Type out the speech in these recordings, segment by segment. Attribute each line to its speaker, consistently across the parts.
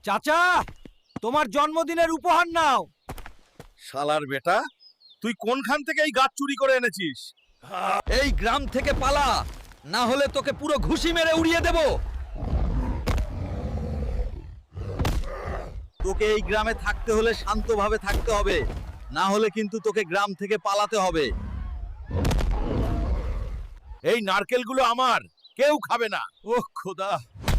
Speaker 1: চাচা, তোমার জন্মদিনের উপহার নাও।
Speaker 2: শালার বেটা, তুই কোনখান থেকে এই গাছ চুরি করে এনেছিস?
Speaker 1: এই গ্রাম থেকে পালা, না হলে তোকে পুরো ঘুষি মেরে উড়িয়ে দেব।
Speaker 2: তোকে এই গ্রামে থাকতে হলে শান্তভাবে থাকতে হবে, না হলে কিন্তু তোকে গ্রাম থেকে পালাতে হবে। এই নারকেলগুলো আমার, কেউ খাবে না। ওহ খোদা,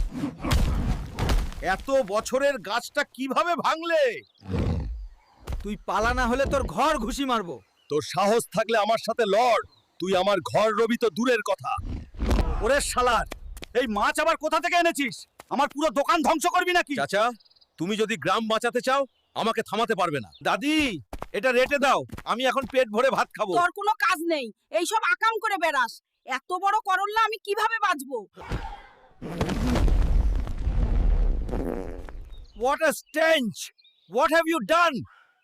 Speaker 2: এত বছরের গাছটা কিভাবে ভাঙলে?
Speaker 1: তুই পালা না হলে তোর ঘর ঘুষি মারবো।
Speaker 2: তোর সাহস থাকলে আমার সাথে লড়। তুই আমার ঘর রবি তো দূরের কথা। ওরে শালার, এই মাছ আবার কোথা থেকে এনেছিস? আমার পুরো দোকান ধ্বংস করবি নাকি? চাচা, তুমি যদি গ্রাম বাঁচাতে চাও আমাকে থামাতে পারবে না। দাদি, এটা রেটে দাও, আমি এখন পেট ভরে ভাত খাবো।
Speaker 3: তোর কোনো কাজ নেই, এইসব আকাম করে বেড়াস। এত বড় করল্লা আমি কিভাবে বাঁচবো?
Speaker 2: What a stench! What have you done?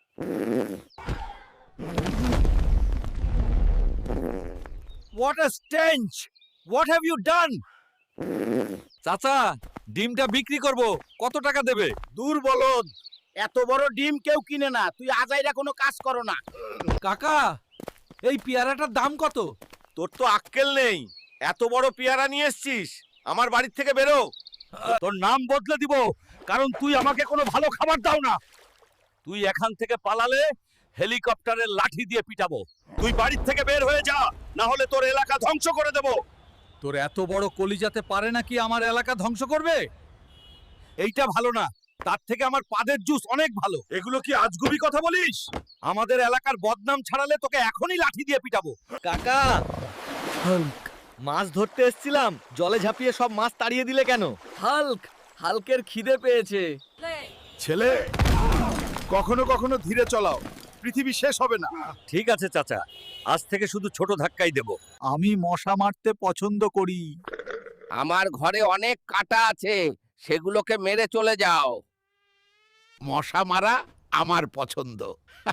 Speaker 2: What a stench! What have you done?
Speaker 1: চাচা, ডিমটা বিক্রি করব, কত টাকা দেবে?
Speaker 2: দূর বলদ, এত বড় ডিম কেউ কিনে না। তুই আজাইরা কোনো কাজ করো না।
Speaker 1: কাকা, এই পেয়ারাটার দাম কত?
Speaker 2: তোর তো আক্কেল নেই, এত বড় পেয়ারা নিয়ে এসছিস। আমার বাড়ি থেকে বেরো। তোর নাম বদলে দিব, কারণ তুই আমাকে কোনো ভালো খাবার দাও না। তুই এখান থেকে পালালে হেলিকপ্টারের লাঠি দিয়ে পিটাবো। তুই বাড়ির থেকে বের হয়ে যা, না হলে তোর এলাকা ধ্বংস করে দেব।
Speaker 1: তোর এত বড় কলিজাতে পারে নাকি আমার এলাকা ধ্বংস করবে?
Speaker 2: এইটা ভালো না, তার থেকে আমার পাদের জুস অনেক ভালো। এগুলো কি আজগুবি কথা বলিস? আমাদের এলাকার বদনাম ছাড়ালে তোকে এখনই লাঠি দিয়ে পিটাবো।
Speaker 1: কাকা, মাছ ধরতে এসেছিলাম, জলে ঝাঁপিয়ে সব মাছ তাড়িয়ে দিলে কেন? হাল্কের খিদে পেয়েছে।
Speaker 2: ছেলে, কখনো কখনো ধীরে চলাও, পৃথিবী শেষ হবে না। ঠিক আছে চাচা, আজ থেকে শুধু ছোট ধাক্কাই দেব।
Speaker 1: আমি মশা মারতে পছন্দ করি।
Speaker 4: আমার ঘরে অনেক কাঁটা আছে, সেগুলোকে মেরে চলে যাও। মশা মারা আমার পছন্দ।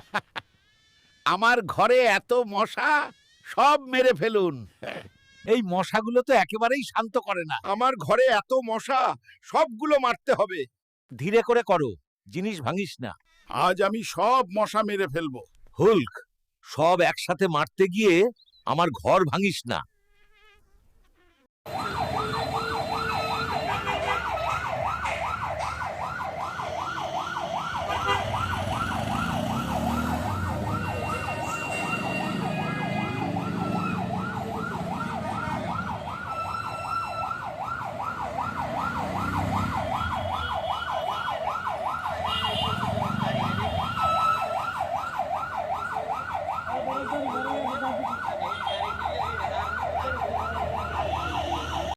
Speaker 4: আমার ঘরে এত মশা, সব মেরে ফেলুন।
Speaker 2: এই মশাগুলো তো একেবারেই শান্ত করে না। আমার ঘরে এত মশা, সবগুলো মারতে হবে। ধীরে করে করো, জিনিস ভাঙিস না। আজ আমি সব মশা মেরে ফেলবো। হুল্ক, সব একসাথে মারতে গিয়ে আমার ঘর ভাঙিস না।